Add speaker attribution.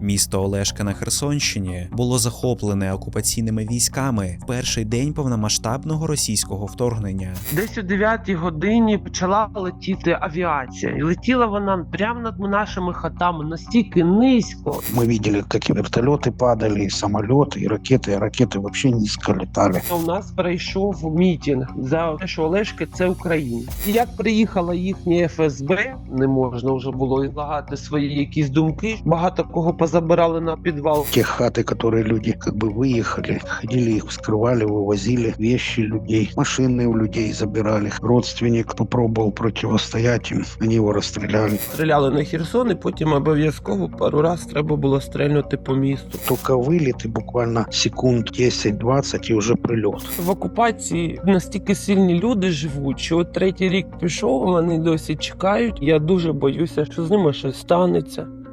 Speaker 1: Місто Олешка на Херсонщині було захоплене окупаційними військами в перший день повномасштабного російського вторгнення.
Speaker 2: Десь о 9-й годині почала летіти авіація. І летіла вона прямо над нашими хатами, настільки низько.
Speaker 3: Мы видели, как и вертолеты падали, и самолеты, и ракеты вообще низко летали.
Speaker 2: У нас пройшов мітинг за те, що Олешки – це Україна. І як приїхала їхня ФСБ, не можна вже було ізлагати свої якісь думки. Багато кого позабирали на підвал.
Speaker 3: Те хаты, которые люди как бы выехали, ходили их вскрывали, вывозили вещи людей, машины у людей забирали. Родственник попробовал противостоять им, они его расстреляли.
Speaker 2: Стріляли на Херсон, і потім обов'язково пару раз треба було стрельнути по місту.
Speaker 3: Только вылет и буквально секунд 10-20 и уже прилет.
Speaker 2: В окупації настільки сильні люди живуть, що от 3-й рік пішов, вони досі чекають. Я дуже боюся, що з ними щось станеться.